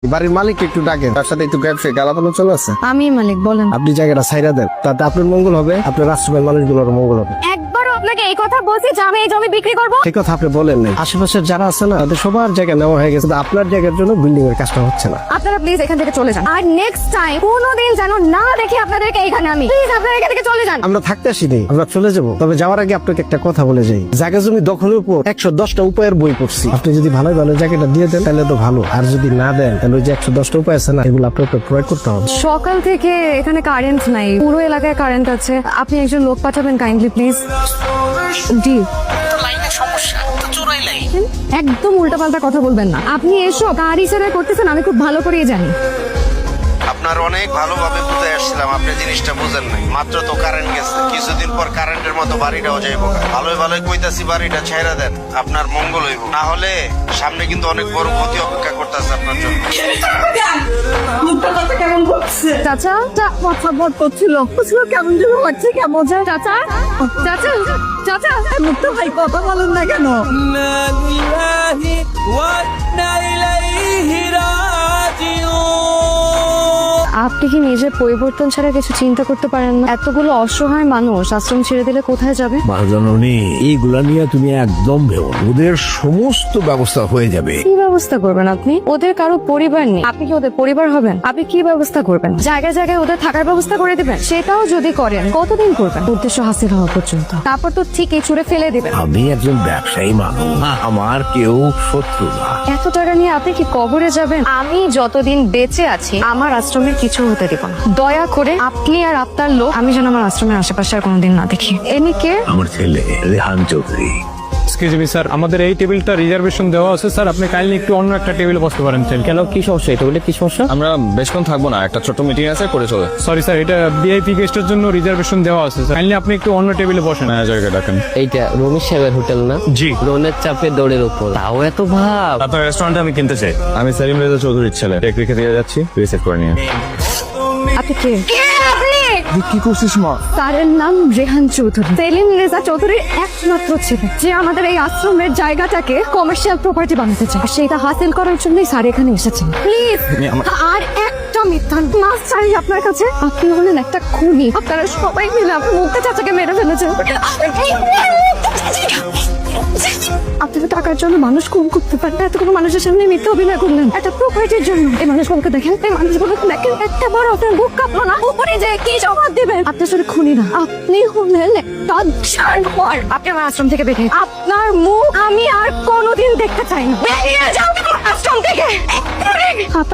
বাড়ির মালিক একটু ডাকেন, তার সাথে একটু ব্যবসায়ী গালাপালা চলে আছে। আমি মালিক বলেন। আপনি জায়গাটা ছাইরা দেন, তাতে আপনার মঙ্গল হবে, আপনার রাষ্ট্রের মানুষগুলোর মঙ্গল হবে। একবারও আপনাকে এই কথা বলছি যে আমি এই জমি বিক্রি করব? ঠিক কথা আপনি বলেন নাই। আশেপাশের যারা আছে না, তাদের সবার জায়গা নেওয়া হয়ে গেছে, আপনার জায়গার জন্য বিল্ডিং এর কাজটা হচ্ছে না। আপনারা প্লিজ এখান থেকে চলে যান, আর নেক্সট টাইম কোনোদিন যেন না দেখি আপনাদেরকে এইখানে। আমি প্লিজ আপনারা এখান থেকে চলে যান। আমরা থাকতে আসিনি, আমরা চলে যাব। তবে যাওয়ার আগে আপনাকে একটা কথা বলে যাই, জায়গা জমি দখলের উপর 110টা উপায়ের বই পড়ছি। আপনি যদি ভালো ভালো জায়গাটা দিয়ে দেন তাহলে তো ভালো, আর যদি না দেন তাহলে ওই যে 110টা উপায় আছে না, এগুলো আপনাকে প্রয়োগ করতে হবে। সকাল থেকে এখানে কারেন্ট নাই, পুরো এলাকায় কারেন্ট আছে। আপনি একজন লোক পাঠাবেন কাইন্ডলি প্লিজ। জি, একদম উল্টাপাল্টা কথা বলবেন না। আপনি এসব কার ইশারায় করতেছেন আমি খুব ভালো করেই জানি। আপনার অনেক ভালোভাবে বুঝে আসছিলাম, আপনি জিনিসটা বুঝেন নাই। মাত্র তো কারেন্ট গেছে, কিছুদিন পর কারেন্টের মতো বাড়িটাও যাইব। ভালোই ভালোই কইতাছি বাড়িটা ছেড়ে দেন, আপনার মঙ্গল হইব। না হলে সামনে কিন্তু অনেক বড় ক্ষতি অপেক্ষা করতেছে আপনার জন্য। চাচা মাথা বট করছিল, কেমন যেন হচ্ছে, কেমন চাচা চাচা চাচা মুক্ত ভাই কথা বলেন না কেন? আপনি কি নিজের পরিবর্তন ছাড়া কিছু চিন্তা করতে পারেন না? এতগুলো অসহায় মানুষ আশ্রম ছেড়ে দিলে কোথায় যাবে? মহাজননী, এইগুলা নিয়ে তুমি একদম ভেবো না। ওদের সমস্ত ব্যবস্থা হয়ে যাবে। কি ব্যবস্থা করবেন আপনি? ওদের কারো পরিবার নেই, আপনি কি ওদের পরিবার হবেন? আপনি কি ব্যবস্থা করবেন? জায়গায় জায়গায় ওদের থাকার ব্যবস্থা করে দিবেন? সেটাও যদি করেন কতদিন করবেন? উদ্দেশ্য হাসিল হওয়া পর্যন্ত, তারপর তো ঠিকই ছুড়ে ফেলে দিবেন। আমি একজন ব্যবসায়ী মানুষ, আমার কেউ শত্রু না। এত টাকা নিয়ে আপনি কি কবরে যাবেন? আমি যতদিন বেঁচে আছি আমার আশ্রমের কিছু হতে দেব না। দয়া করে আপনি আর আপনার লোক আমি যেন আমার আশ্রমের আশেপাশে আর কোনোদিন না দেখি। এনি কে? আমার ছেলে Rehan Chowdhury. Excuse me sir, আমাদের এই টেবিলটা রিজার্ভেশন দেওয়া আছে স্যার, আপনি কাইন্ডলি একটু অন্য একটা টেবিলে বসতে পারেন স্যার। কেন, কি সমস্যা? এটা বলে কি সমস্যা? আমরা বেশক্ষণ থাকবো না, একটা ছোট মিটিং আছে, করে চলে। সরি স্যার, এটা ভিআইপি গেস্টের জন্য রিজার্ভেশন দেওয়া আছে স্যার, কাইন্ডলি আপনি একটু অন্য টেবিলে বসেন। ম্যানেজারকে ডাকেন। এইটা রমেশ সাহেবের হোটেল না? জি। লোনের চাপে দৌড়ের উপর, তাও এত ভাব। আপনার রেস্টুরেন্টে আমি কিনতে চাই। আমি সেলিম রেজা চৌধুরীর ছেলে, টেক রেখে দিয়ে যাচ্ছি, রিসেট করে নিয়ে। আপনি কে? আপনি কি করছিস মা? স্যারের নাম রেহান চৌধুরী, সেলিম রেজা চৌধুরীর একমাত্র ছেলে, যে আমাদের এই আশ্রমের জায়গাটাকে কমার্শিয়াল প্রপার্টি বানাতে চায়। আর সেটা হাসিল করার জন্যই স্যার এখানে এসেছেন। প্লিজ আর একটা মিথ্যা মাস চাই আপনার কাছে। আপনি হলেন একটা খুনি, আপনারা সবাই মিলে আপনার মুক্তা চাচাকে মেরে ফেলেছেন। আপনাকে টাকার জন্য মানুষ খুন করতে পারেন, এতগুলো মানুষের সামনে মিথ্যা অভিনয় করলেন একটা প্রপার্টির জন্য। এই মানুষগুলোকে দেখেন, এই মানুষগুলোকে দেখেন, একটা বড় আপনার বুক কাঁপলো না? উপরে যে কি জবাব দেবেন? আপনি আসলে খুনি না, আপনি হলেন একটা জানোয়ার। আপনি আমার আশ্রম থেকে বেরিয়ে, আপনার মুখ আমি আর কোনোদিন দেখতে চাই না। বেরিয়ে যাও আমার আশ্রম থেকে।